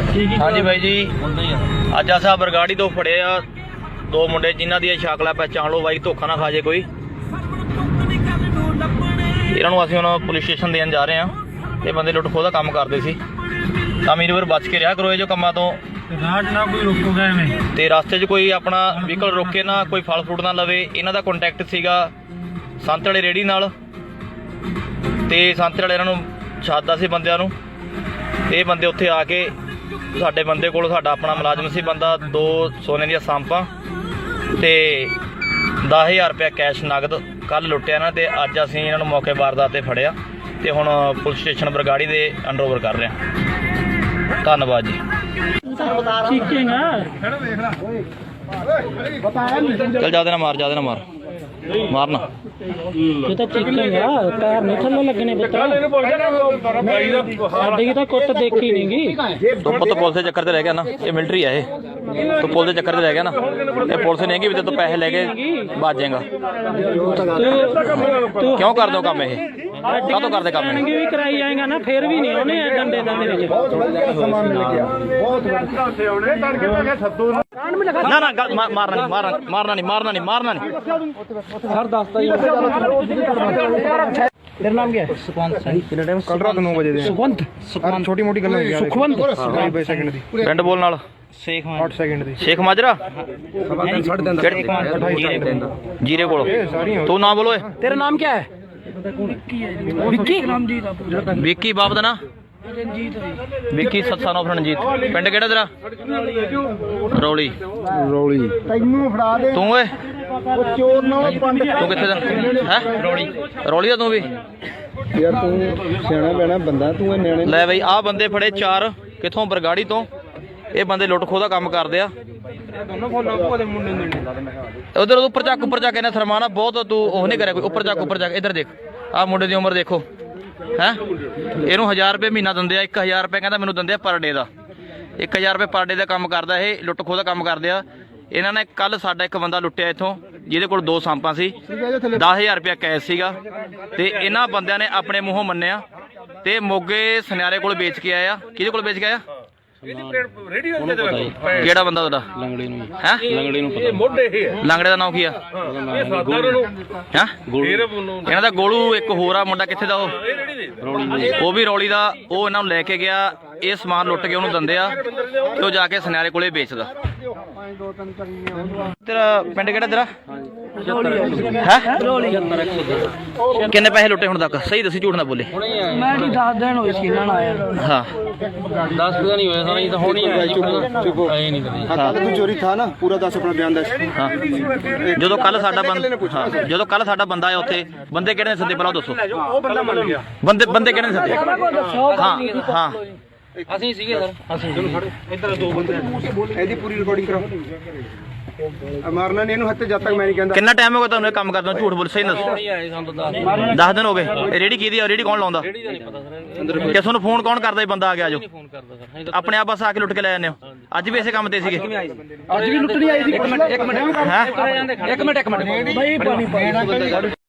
हाँ जी भाई जी, अज अस बरगाड़ी तो फड़े आ दो मुंडे जिन्हों दी शक्ल पहचान लो भाई, धोखा ना खा जे कोई। इन्हों असीं हुण पुलिस स्टेशन देन जा रहे हैं। ये बंदे लुट खोह दा काम करते सी, तां मेरी वार बच के रहा करो जो कामां तो। ना कोई रोकूगा एवें ते रास्ते 'च कोई अपना व्हीकल रोके ना, कोई फल फ्रूट ना लवे। इन्हां दा कॉन्टैक्ट सीगा संत वाले रेहड़ी नाल, ते संत वाले इन्हां नूं छादा सी बंदिਆਂ ਨੂੰ। ਇਹ ਬੰਦੇ ਉੱਥੇ ਆ ਕੇ ਸਾਡੇ ਬੰਦੇ ਕੋਲ, ਸਾਡਾ ਆਪਣਾ ਮੁਲਾਜ਼ਮ ਸੀ ਬੰਦਾ, 2 ਸੋਨੇ ਦੀਆਂ ਸਾਂਪਾਂ ਤੇ 10,000 ਰੁਪਇਆ ਕੈਸ਼ ਨਗਦ ਕੱਲ ਲੁੱਟਿਆ ਨਾ। ਤੇ ਅੱਜ ਅਸੀਂ ਇਹਨਾਂ ਨੂੰ ਮੌਕੇ ਵਾਰਦਾਤ ਤੇ ਫੜਿਆ ਤੇ ਹੁਣ ਪੁਲਿਸ ਸਟੇਸ਼ਨ ਬਰਗਾੜੀ ਦੇ ਅੰਡਰਓਵਰ ਕਰ ਰਹੇ ਹਾਂ। ਧੰਨਵਾਦ ਜੀ। चल ज्यादा ना मार, ज्यादा ना मार, मारना ये तो चीखेगा, पैर नहीं थल्ले लगने पुत्रा। साडी की तो कुट देखी नहीं तो पुत पुलिस के चक्कर ते रह गया ना, ये मिलिट्री है ये, तो पुलिस के चक्कर ते रह गया ना। ये पुलिस नहीं कि तो पैसे लेके भाज जाएगा। क्यों कर दो काम, ये क्या तो कर दे काम भी कराई जाएगा ना, फिर भी नहीं होने डंडे ना ना मारना नहीं, मारना नहीं, मारना नहीं, मारना नहीं। सर दसता ही। तेरा नाम क्या है? सुखवंत। कल रात 9 बजे सुखवंत, छोटी मोटी गल सुखवंत सेकंड दी पिंड बोल नाल 8 सेकंड दी शेख माजरा जीरे को तू ना बोलो। तेरा नाम क्या है? विक्की। विक्की बाप दा ना विक्की सन ऑफ रणजीत। पिंड केड़ा तेरा? रौली। रौली तैनू फड़ा दे तू ओए चोर ना पंड तू किथे दा है? रौली। रौली दा तू भी यार तू सियाना बैना बंदा, तू न्याणे ले बई। आ बंदे फड़े 4 किथों बरगाड़ी तो। ये बंदे लुट खो दा काम करदे आ। उधर ऊपर जाके ना सरमाना बहुत तू ओह नहीं करे कोई। ऊपर जाके इधर देख, आ मुंडे दी उम्र देखो है। इनू 1000 रुपये महीना दिंदे आ। 1000 रुपये कहता मैनू दिंदे आ पर डे का। 1000 रुपये पर डे का काम करदा है, लुट खो दा काम करदे आ। इन्हां ने कल साडा एक बंदा लुट्टिया इत्थों, जिहदे कोल 2 सांपां सी, 10,000 रुपया कैश सीगा। ते इन्हां बंदियां ने अपने मूंहों मन्निया ते मोगे सुनियारे कोल बेच के आया। किहदे कोल बेच के आया? केड़ा बंदा तुहाडा? लंगड़े नूं है। लंगड़े नूं पता मोढे ही है। लंगड़े दा नाम की आ? ये सादा नूं है इन्हां दा गोलू। एक होर आ मुंडा, कित्थे दा ओ भी रौली दा। ओ इन्हां नूं लैके गया, ये समान लुट के उहनूं दिंदे आ ते ओ जाके सुनियारे कोले बेचदा। तेरा पिंड केड़ा तेरा है? किन्ने पैसे लुटे हुण तक? सही दसी, झूठ ना बोले। मैं नहीं 10 दिन होए सी ना आया। हाँ 10 पता नहीं होया सारा, ये तो होनी है। चुप आए नहीं कभी। हां तू चोरी था ना, पूरा 10 अपना बयान दस। हाँ जो कल साडा बंदा, जो कल साडा बंदा आया उत्थे, बंदे किहड़े ने सद्दे पहला दसो? ओ बंदा मान गया। बंदे किहड़े ने सद्दे? हाँ हाँ ਅਸੀਂ ਸੀਗੇ ਸਰ। ਅਸੀਂ इधर 2 बंदे ਇਹਦੀ पूरी रिकॉर्डिंग कराओ। मारना नहीं, हत्ते जब तक मैं नहीं कहता। कितना टाइम हो गया तुमने काम करते? झूठ बोल, सही दस। ਨਹੀਂ ਆਏ ਸਾਨੂੰ ਤਾਂ 10 दिन हो गए। रेडी की दी? रेडी कौन लाਉਂਦਾ? ਰੇੜੀ ਦਾ ਨਹੀਂ ਪਤਾ ਸਰ। ਕਿਸ ਨੂੰ ਫੋਨ ਕੌਣ ਕਰਦਾ? ਬੰਦਾ ਆ ਗਿਆ ਜੋ ਫੋਨ ਕਰਦਾ ਸਰ। ਆਪਣੇ ਆਪ ਬਸ ਆ ਕੇ ਲੁੱਟ ਕੇ ਲੈ ਜਾਂਦੇ ਹੋ। ਅੱਜ ਵੀ ਇਸੇ ਕੰਮ ਤੇ ਸੀਗੇ? ਅੱਜ ਵੀ ਲੁੱਟਣੀ ਆਈ ਸੀ। ਇੱਕ ਮਿੰਟ ਹੈ ਇੱਕ ਮਿੰਟ ਬਾਈ ਪਾਣੀ